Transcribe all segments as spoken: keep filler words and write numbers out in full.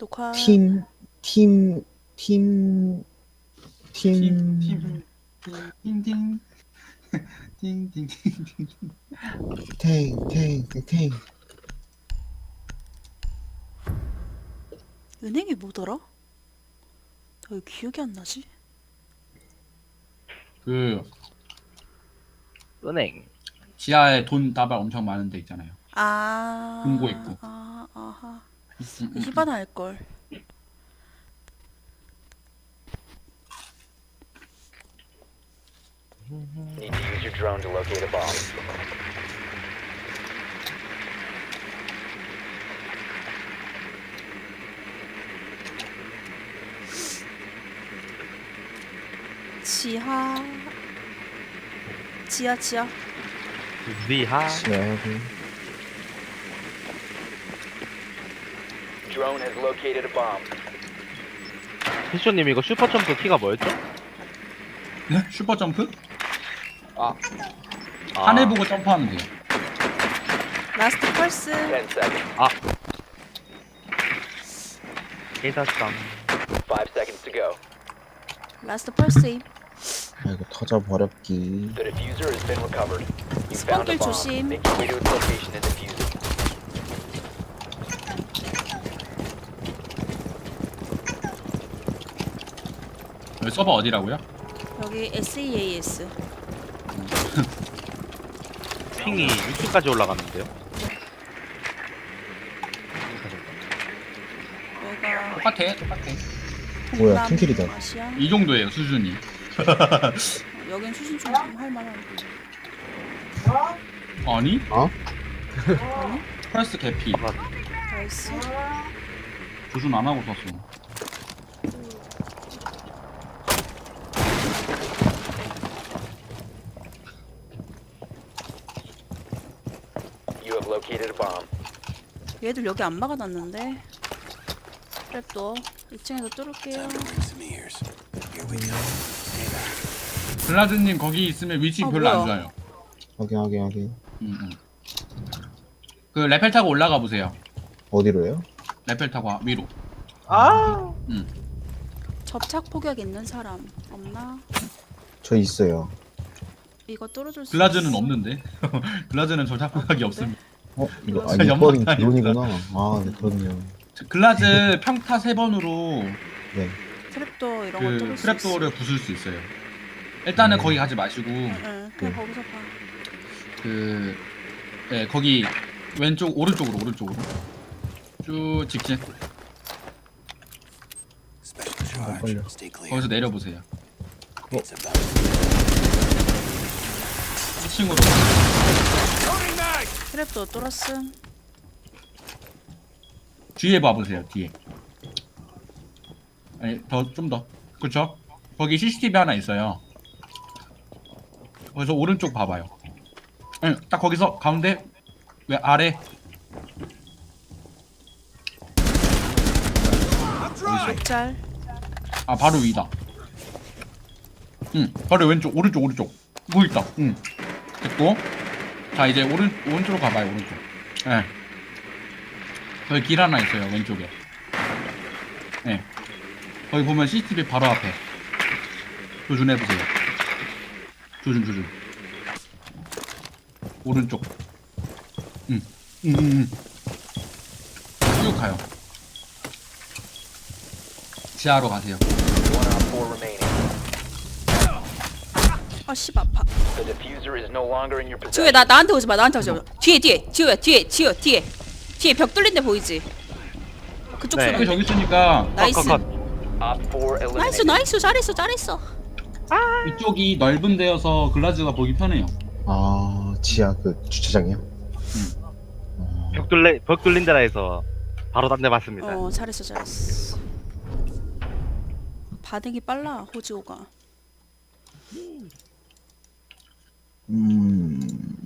녹화. 팀, 팀, 팀, 팀, 팀, 팀, 띵띵. 띵띵띵. 탱, 탱, 탱. 은행이 뭐더라? 나 왜 기억이 안 나지? 그 은행. 지하에 돈 다발 엄청 많은 데 있잖아요. 아. 금고 있고. 아, 아하. 음, 음, 음. 히바나 할 걸. Need to use your drone to locate a bomb. 지하. 지하, 지하. 위하. 지하고. Drone has located a bomb. 피쇼님 이거 슈퍼점프 키가 뭐였죠? 네? 슈퍼 점프? 아. 하늘 보고 점프하면 돼요. 라스트 펄스. Ten seconds. 아. 깨닫상. Five seconds to go. 라스트 펄스임. 아이고, 터져버렸기. The diffuser has been recovered. You found a 스폰길 bomb. 조심. Make your way to its location and defuse it. 여기 서버 어디라고요? 여기 에스이에이에스. 핑이 육십까지 올라갔는데요. 여기가 똑같아, 똑같아. 뭐야, 동남 팀킬이다. 아시아. 이 정도예요, 수준이. 어, 여긴 수준 좀 할만한데. 아니? 어? 프레스 개피. 나이스. 조준 안 하고 썼어. You have located a bomb. 얘들 여기 안 막아놨는데. 트랩도 이 층에서 뚫을게요. 블라드님 거기 있으면 위치 아, 별로 안 뭐야. 좋아요. 확인, 확인, 확인. 음, 음. 그 레펠 타고 올라가 보세요. 어디로요? 레펠 타고 위로. 아. 음. 접착 폭격 있는 사람 없나? 저 있어요. 이거 뚫어줄 수 글라즈는 있어? 없는데. 글라즈는 저작각이 없습니다. 어? 이거, 아, 진짜 이번이 연막탄이 드론이구나. 아, 네, 그렇네요. 저 글라즈 평타 세 번으로 네. 트랩도 이런 거 그 뚫을 수 있어. 트랩도어를 부술 수 있어요. 일단은 음. 거기 가지 마시고 응, 그냥 네. 거기서 봐. 그 네, 거기 왼쪽 오른쪽으로 오른쪽으로 쭉 직진. 아, 빨려. 거기서 내려보세요. 어? 이 층으로. 트랩도 뚫었음. 뒤에 봐보세요. 뒤에. 아니 더 좀 더. 그쵸? 거기 씨씨티비 하나 있어요. 거기서 오른쪽 봐봐요. 응, 딱 거기서 가운데 왜 아래. 어디서? 짤. 아 바로 위다. 응, 바로 왼쪽 오른쪽 오른쪽. 뭐 있다. 응. 됐고. 자 이제 오른 오른쪽으로 가봐요 오른쪽. 예. 네. 거기 길 하나 있어요 왼쪽에. 예. 네. 거기 보면 씨씨티비 바로 앞에. 조준해보세요. 조준 조준. 오른쪽. 응. 응, 응, 응. 쭉 가요. 지하로 가세요. One on four remaining. 아씨 아파. The diffuser is no longer in your 지우야 possession. 나 나한테 오지 마. 나한테 오지 마. 뒤에 뒤에. 지우야 뒤에 지우 뒤에. 뒤에 벽 뚫린 데 보이지? 그쪽 네. 그 손. 저기 있으니까 나이스. 컷, 컷. Op four 나이스 eliminated. 나이스 잘했어 잘했어. 이쪽이 넓은 데여서 글라즈가 보기 편해요. 아, 지하 그 주차장이요? 벽 뚫리 벽 뚫린 데라 해서 바로 딴 데 맞습니다. 어 잘했어 잘했어. 반응이 빨라 호지호가. 음.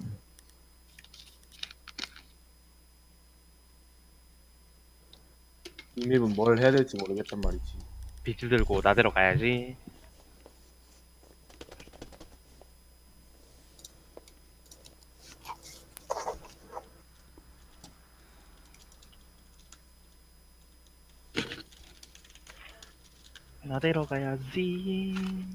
이 맵은 뭘 해야 될지 모르겠단 말이지. 빛을 들고 나대로 가야지. 나대러 가야지.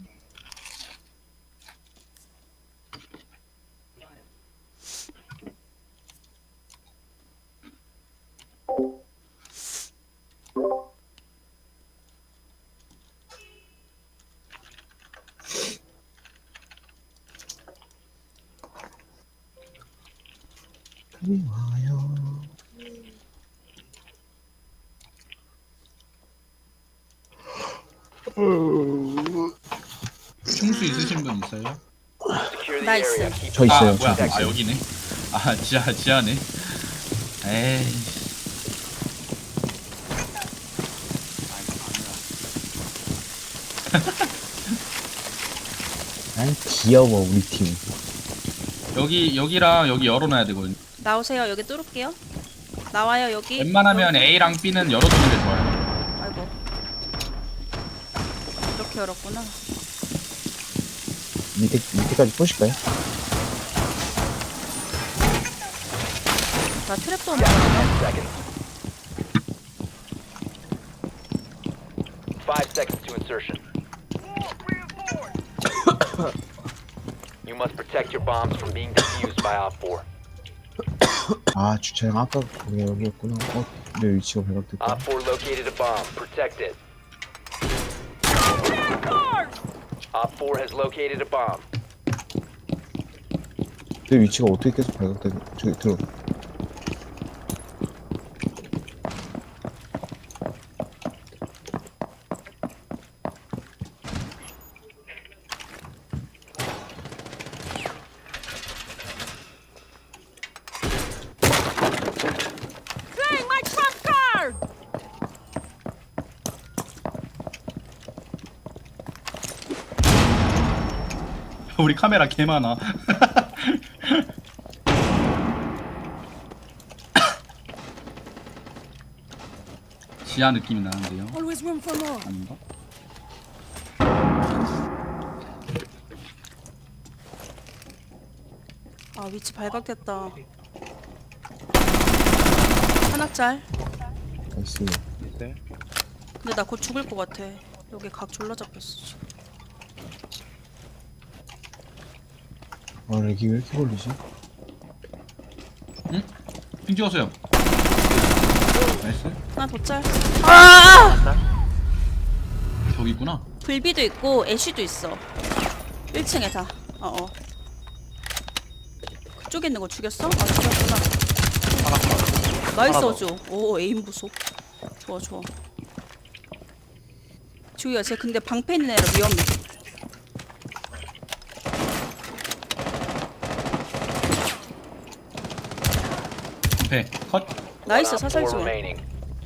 그리워요. 충수 있으신 분 있어요? Secure the Nice. area. Keep 저 아 있어요. 뭐야? 저도 아 있어요. 여기네. 아 지하 지하네. 에이. 난 귀여워 우리 팀. 여기 여기랑 여기 열어놔야 되거든요. 나오세요. 여기 뚫을게요. 나와요 여기. 웬만하면 여기. A랑 B는 열어두는 게 좋아요. 아이고. 이렇게 열었구나. 밑에 밑에까지 보실까요? 나 트랩도 ten 먹었네. seconds. Five seconds to insertion. You must protect your bombs from being defused by Op four. 아 주차장 아까 거기 여기였구나. 어, 내 위치가 발각됐다. Op four located a bomb. Protect it. Op four has located a bomb. 내 위치가 어떻게 계속 발각되지? 저기 들어. 우리 카메라 개 많아. 지하 느낌이 나는데요. 아닌가? 아 위치 발각됐다. 하나짤. 나이스. 근데 나 곧 죽을 것 같아. 여기 각 졸라 잡혔어 지금. 아 렉이 왜 이렇게 걸리지? 응? 핑 찍었어요. 나이스. 하나 더 짤. 아! 저기 있구나. 불비도 있고 애쉬도 있어. 일 층에 다. 어어. 그쪽에 있는 거 죽였어? 아 죽였구나. 나이스 하나 더. 어주. 오 에임 부소. 좋아 좋아. 주희야 쟤 근데 방패 있는 애라 위험해. 배 컷. 나이스 One Op 사살 four 중. remaining.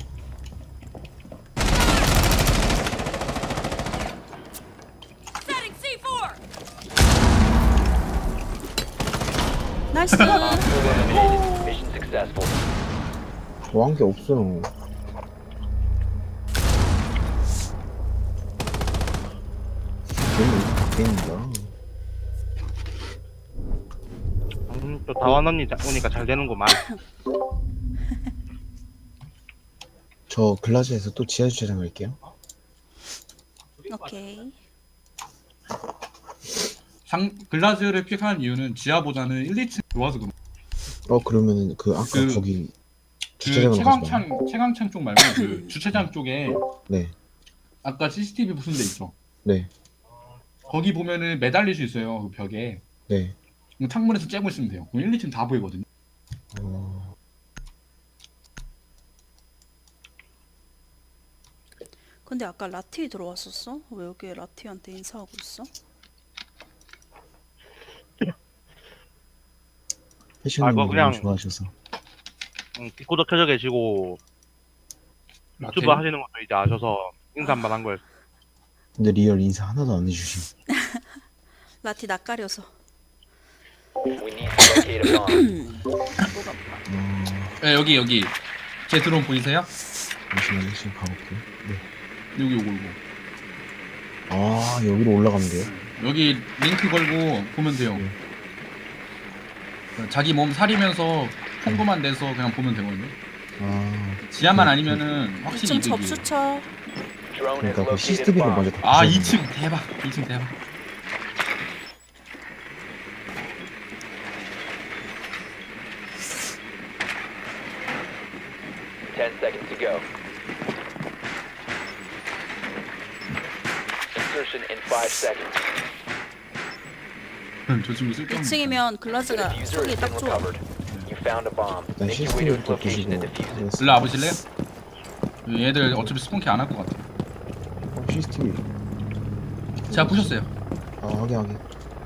나이스. Op four eliminated. Mission successful. 좋아한 게 없어. 게임이 게임이다. 음, 또 다원 언니 자- 오니까 잘 되는구만. 저 글라즈에서 또 지하 주차장 갈게요. 오케이. 상 글라즈를 픽한 이유는 지하보다는 일, 이 층 좋아서 그런. 어 그러면은 그 아까 그- 거기 그 주차장으로 가서 봐요. 채광창 채광창 쪽 말고 그 주차장 쪽에 네, 아까 씨씨티비 부순 데 있죠. 네, 거기 보면은 매달릴 수 있어요. 그 벽에. 네. 그럼 창문에서 째고 있으면 돼요. 그럼 일, 이 층 다 보이거든요. 어, 근데 아까 라티 들어왔었어? 왜 여기 라티한테 인사하고 있어? 패션을 아, 그거 너무 그냥- 좋아하셔서. 응, 디코더 켜져 계시고 유튜브 하시는 것도 이제 아셔서 인사 한번 한 거예요. 근데 리얼 인사 하나도 안 해주심. 라티 낯가려서. We need to locate a bomb. 뭐가 어, 네, 여기 여기 제 드론 보이세요? 잠시만요, 지금 가볼게요. 네. 여기 요거 요거. 아 여기로 올라가면 돼요? 여기 링크 걸고 보면 돼요. 네. 자기 몸 사리면서 통보만 내서 그냥 보면 되거든요. 아 지하만 네, 아니면은 확실히 이 층 이득이에요. 접수처. Drone has 그러니까 그 located a 씨씨티비를 bomb. 먼저. 아 부셔야 이 층 대박. 이 층 대박. Ten seconds to go. Insertion in five seconds. 저 친구 쓸데없는. 이 층이면 The 글라즈가 diffuser 쏘기 has 딱 been 좋아. recovered. You found a bomb. 일단 Make your way to its 씨씨티비부터 location 부시고. and defuse it. 일로 와보실래요? 얘들 어차피 스폰키 안 할 것 같아. 어, 씨씨티비. 제가 부셨어요. 아 확인 확인.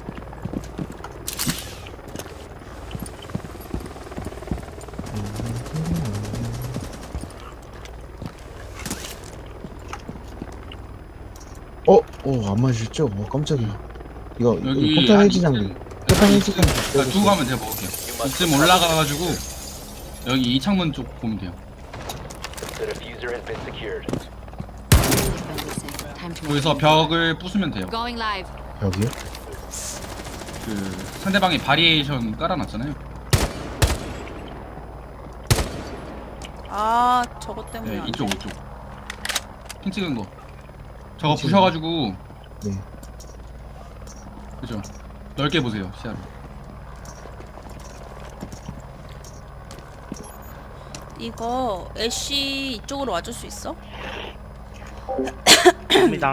어, 어, 안 맞으셨죠? 어, 깜짝이야. 이거, 여기 이거 폭탄 해지 장비. 폭탄 해지 장비. 아, 두고 가면 제가 먹을게요. 이쯤 올라가가지고 여기 이 창문 쪽 보면 돼요. The diffuser has been secured. 거기서 벽을 부수면 돼요. Going live. 여기요? 그 상대방이 바리에이션 깔아놨잖아요. 아 저것 때문에 네, 안 이쪽 돼. 이쪽. 핑 찍은 거. 저거 핑 찍은 부셔가지고 네. 그죠? 넓게 보세요 시야를. 이거 애쉬 이쪽으로 와줄 수 있어? 합니다.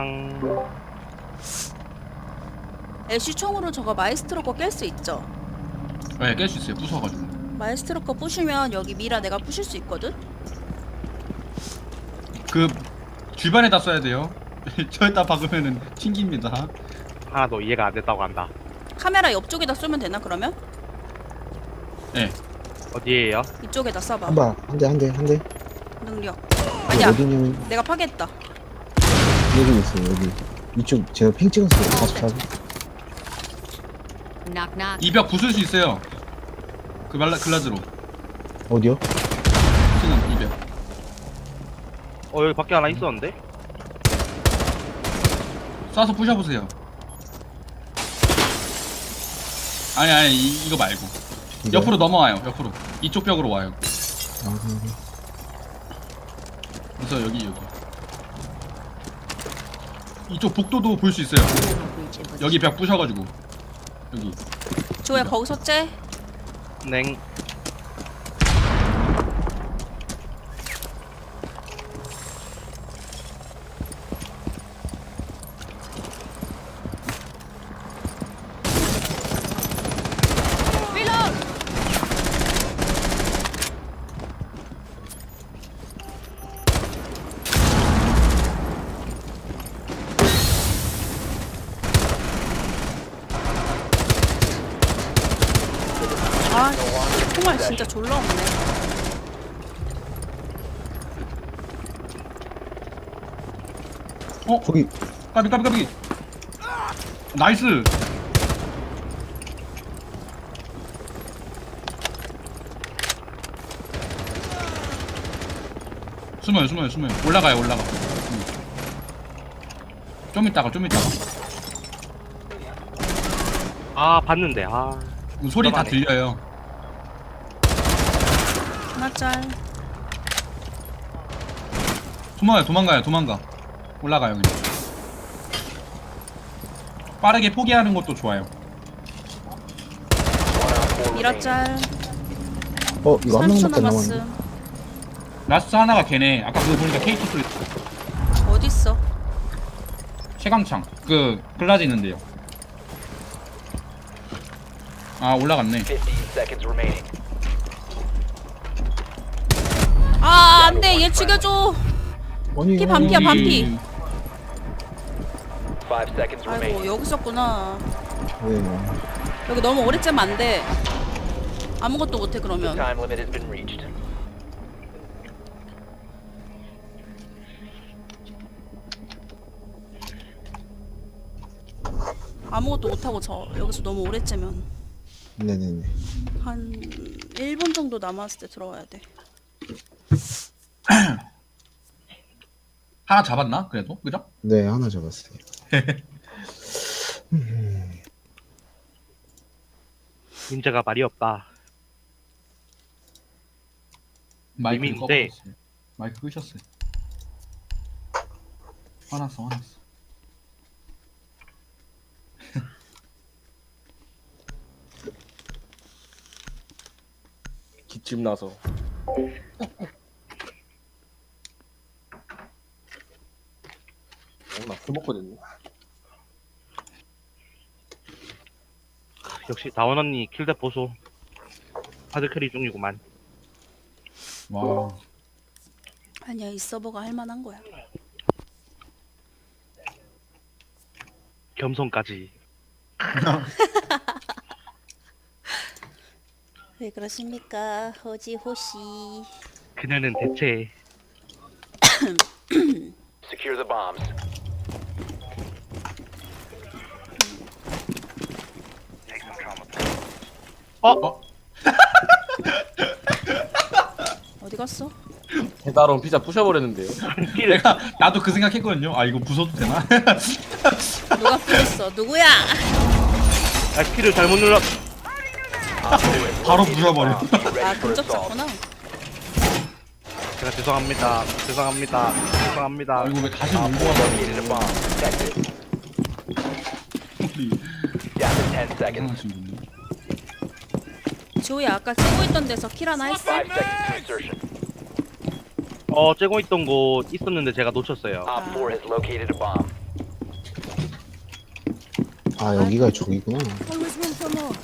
애쉬 총으로 저거 마이스트로 거 깰 수 있죠? 네, 깰 수 있어요. 부숴가지고. 마이스트로 거 부시면 여기 미라 내가 부실 수 있거든? 그 주변에다 써야 돼요. 저에다 박으면은 튕깁니다. 하나도 이해가 안 됐다고 한다. 카메라 옆쪽에다 쏘면 되나 그러면? 네. 어디에요? 이쪽에다 쏴봐. 한 발, 한 대, 한 대, 한 대. 능력. 이거 아니야 어디냐면, 내가 파괴했다. 여기 있어요, 여기. 이쪽, 제가 핑 찍었어요. 사십사. Knock knock. 이 벽 부술 수 있어요. 그 말라 글라즈로. 어디요? 지금 이 벽. 어 여기 밖에 하나 있었는데? 쏴서 부셔보세요. 아니 아니 이, 이거 말고. 이거요? 옆으로 넘어와요. 옆으로. 이쪽 벽으로 와요. 아, 여기. 그래서 여기 여기. 이쪽 복도도 볼 수 있어요. 여기 벽 부셔가지고. 여기. 조야 거기서 째? 냉. 아 정말 진짜 졸라 없네. 어? 거기, 까비 까비 까비. 나이스. 숨어요 숨어요 숨어요. 올라가요 올라가. 음. 좀 이따가 좀 이따가. 아 봤는데 아. 음, 소리 다 들어가네. 들려요. 하나 짤. 숨어요 도망가요 도망가. 올라가요 그냥. 빠르게 포기하는 것도 좋아요. 미라 짤. 어, 이거 한 삼 초 명밖에 안 남았네. 남았음. 라스트 하나가 걔네. 아까 그거 보니까 케이티 소리. 어딨어? 최강창. 그 글라즈 있는데요. 아 올라갔네. Fifteen seconds remaining. 아 안돼 얘 죽여줘. 아니, 피 아니, 반피야, 아니. 반피. Five seconds 아이고 remaining. 여기 있었구나. 네. 여기 너무 오래 째면 안 돼. 아무것도 못해 The 그러면. time limit has been reached. 아무것도 못하고 저 여기서 너무 오래 째면 네네네. 한 일 분 정도 남았을 때 들어와야 돼. 하나 잡았나? 그래도 그죠? 네, 하나 잡았어요. 문제가 말이 없다. 마이크 재밌는데. 꺾었어요. 마이크 끄셨어요. 화났어 화났어. 기침 나서. 어, 나술 먹거든요. 역시 다원 언니 킬대 보소. 하드캐리 중이구만. 와. 아니야 이 서버가 할만한 거야. 겸손까지. 왜 그러십니까 호지 호시. 그녀는 대체 Secure the bombs. 어? 어디 갔어? 배달온 피자 부셔버렸는데요. 내가 나도 그 생각했거든요. 아 이거 부숴도 되나? 누가 피했어? 누구야? 아 키를 잘못 눌렀. 바로 부숴버려. 아 근접 잡구나. 제가 죄송합니다. 죄송합니다. 죄송합니다. 아 이거 왜 다시 물고 Located a 와서 bomb. Protect it. 우리 Down to ten seconds. 이상하신 분이. 지호야 아까 찍고 있던 데서 킬 하나 했어? Five seconds to insertion. 어 째고 있던 곳 있었는데 제가 놓쳤어요. Op four has located a bomb. 아 여기가 저기구나. Always room for more.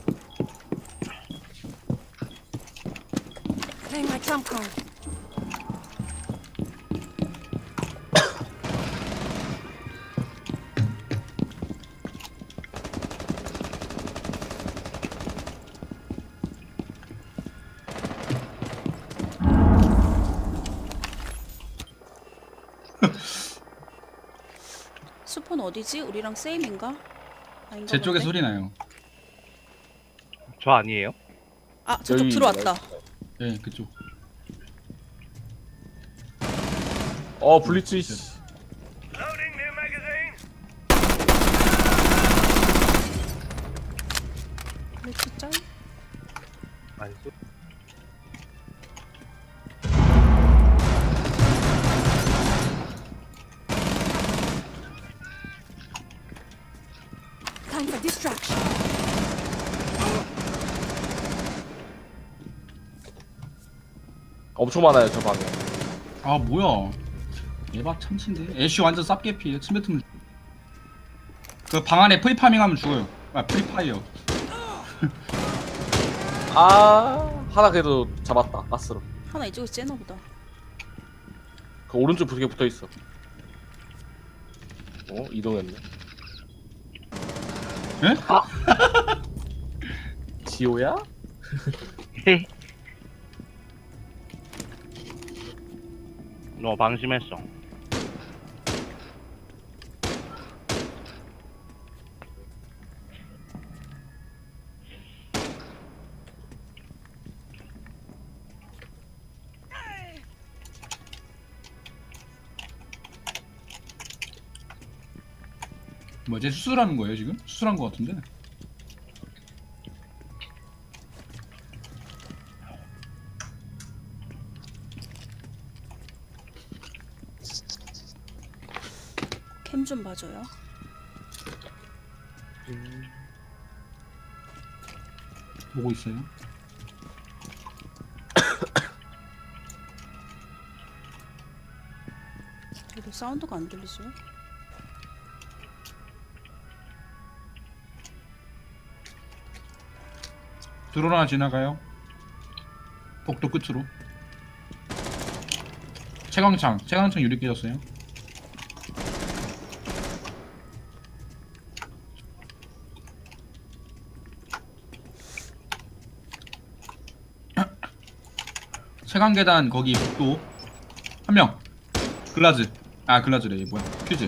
Playing my trump card. 수폰 어디지? 우리랑 세임인가? 아닌가 제 쪽에 본데? 소리 나요. 저 아니에요? 아 저쪽 여기 들어왔다. 예 그쪽. 어 블리츠 씨. 근데 진짜 아니죠. time for distraction. 엄청 많아요 저 방에. 아 뭐야? 얘봐 참친데. 애쉬 완전 쌉개피. 침뱉으그 방 안에 프리파밍하면 죽어요. 아 프리파이어. 아 하나 그래도 잡았다. 가스로. 하나 이쪽에 째나 보다. 그 오른쪽 벽에 붙어 있어. 어 이동했네. 예? 지호야? 헤. 너 방심했어. 뭐지 수술하는 거예요 지금? 수술한 거 같은데. 캠 좀 봐줘요. 보고 있어요. 그래도 사운드가 안 들리죠? 드론 하나 지나가요. 복도 끝으로. 채광창, 채광창 유리 깨졌어요. 채광 계단 거기 복도 한 명. 글라즈. 아 글라즈래 얘 뭐야? 퓨즈.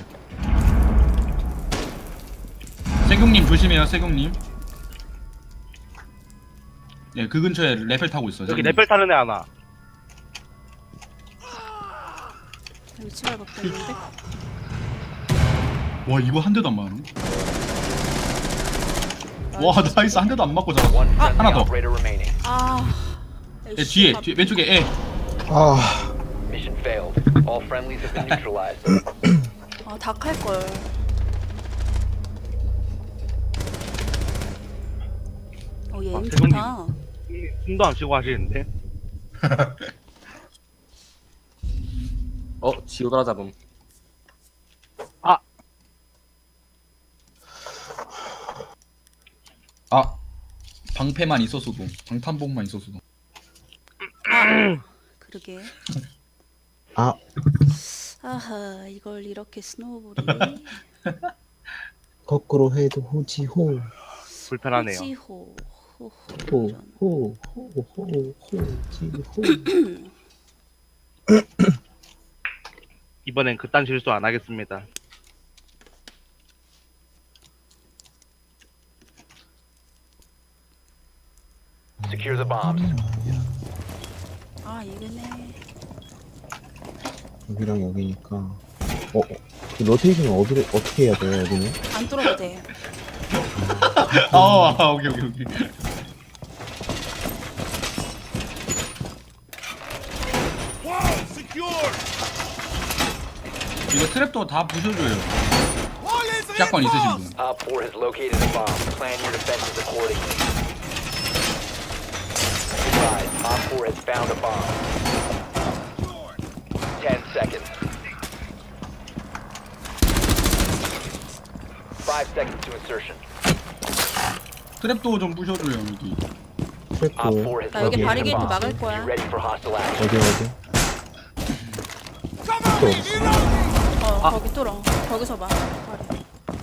세경님 조심해요, 세경님. 네, 그 근처에 레펠 타고 있어. 여기 레벨 타는 애 하나. 위치가 바뀌었는데? 와 이거 한 대도 안 맞네. 와 나이스 한 대도 안 맞고 잡았어. One friendly 하나 더. operator remaining. 아... 예, 뒤에, 뒤에 왼쪽에 애. 아 Mission failed. All friendlies have been neutralized. 아, 닭 할걸. 어, 얘 아, 임 세종님. 좋다. 숨도 안 쉬고 하시는데. 어 지오더라 잡음. 아 방패만 있었어도 방탄복만 있었어도. 그러게. 아 아하, 이걸 이렇게 스노우볼이. 거꾸로 해도 호지호 불편하네요. 호지호. 호호. 전. 호호호호호 호지호. 이번엔 그딴 실수 안 하겠습니다. Secure the bombs. 아, 이거네. 여기랑 여기니까. 어, 어. 그 로테이션은 어디를 어떻게 해야 돼요 여기는? 안 뚫어도 돼. 아, 아 오케이 오케이 오케이. 이거 트랩도 다 부셔줘요. 샷건 있으신 분. Op four has located a bomb. Plan your defenses accordingly. Advise, Op four has found a bomb. Ten seconds. Five seconds to insertion. 트랩도 좀 부셔줘요 여기. Op 트랩도 four has 나 여기 located a 바리게이트 bomb. 막을 거야. Be ready for hostile action. 어디 어디? 또 어디? 어, 거기 뚫어. 거기서 봐. 바리.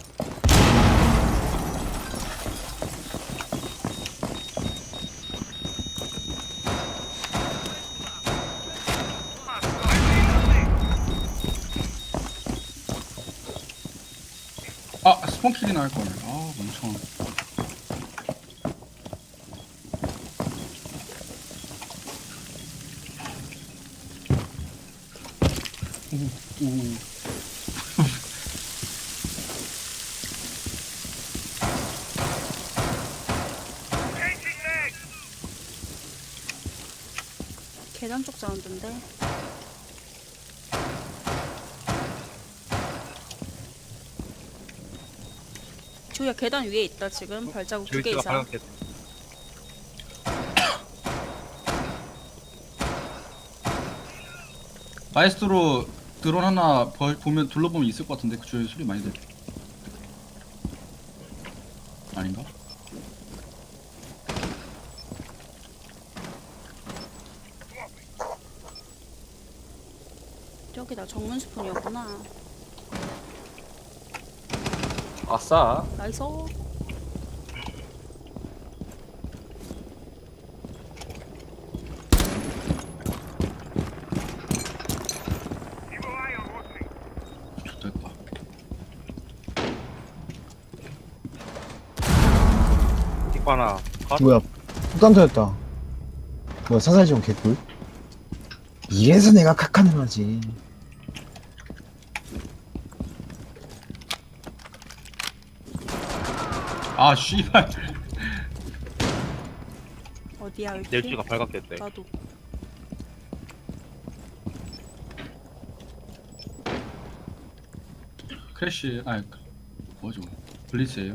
아 스폰킬이나 할 걸. 아 멍청. 오, 오. 계단 쪽 사운드인데. 조야, 계단 위에 있다 지금. 발자국 두 개 저기가 이상. 방금 마에스트로 드론 하나 버, 보면 둘러보면 있을 것 같은데 그 주위에 소리 많이 들려. 아닌가? 저기다 정문 스푼이었구나. 아싸. 나이스. 좋됐다. 찍고 하나. 컷. 뭐야? 폭탄 터졌다. 뭐야 사살지원 개꿀? 이래서 내가 카카는 하지. 아 씨발. 어디야 여기? 넬지가 발각됐대. 나도. 크래쉬 아 뭐죠? 블리츠예요?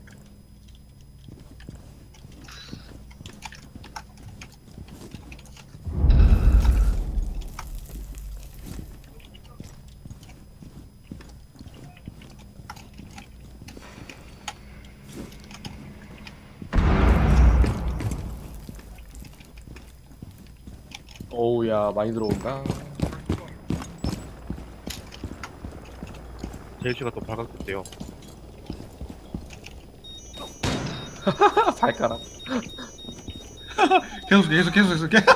오우야 많이 들어온다. 넬지가 또 발각됐대요. 발가락. 계속 계속 계속 계속 계속.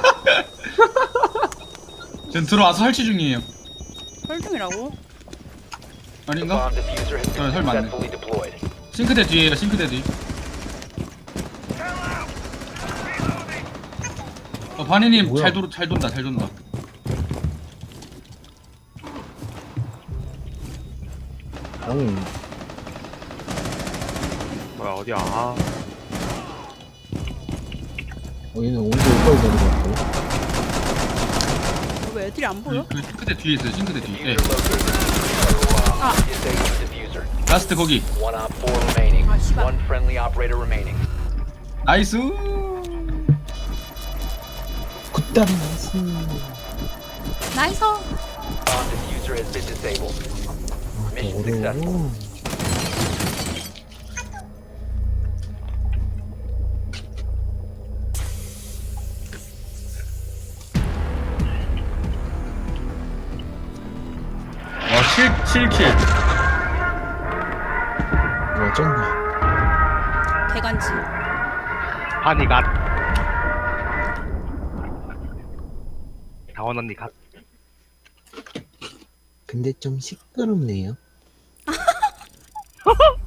지금 들어와서 설치 중이에요. 헐중이라고? The 아닌가? bomb diffuser has 어, been 설 맞네. successfully deployed. 싱크대 뒤에요. 싱크대 뒤. 어 바니님 뭐야? 잘 돌, 잘 돈다 잘 돈다. 아니 뭐야 어디야? 아, 어 얘는 언제 여기까지 되는 것 같아? 왜 애들이 안 보여? 그 싱크대 뒤에 있어요. 싱크대 뒤에. 예. Diffuser located. 아, 라스트 거기. One op four remaining. One friendly operator remaining. 나이스. 굿다리 나이스. 나이스. Bomb diffuser has been disabled. Mission successful. 어려워. 와, 칠 킬. 와 쩐다. 대간지. 한이 갓. 다원 언니 갓. 근데 좀 시끄럽네요.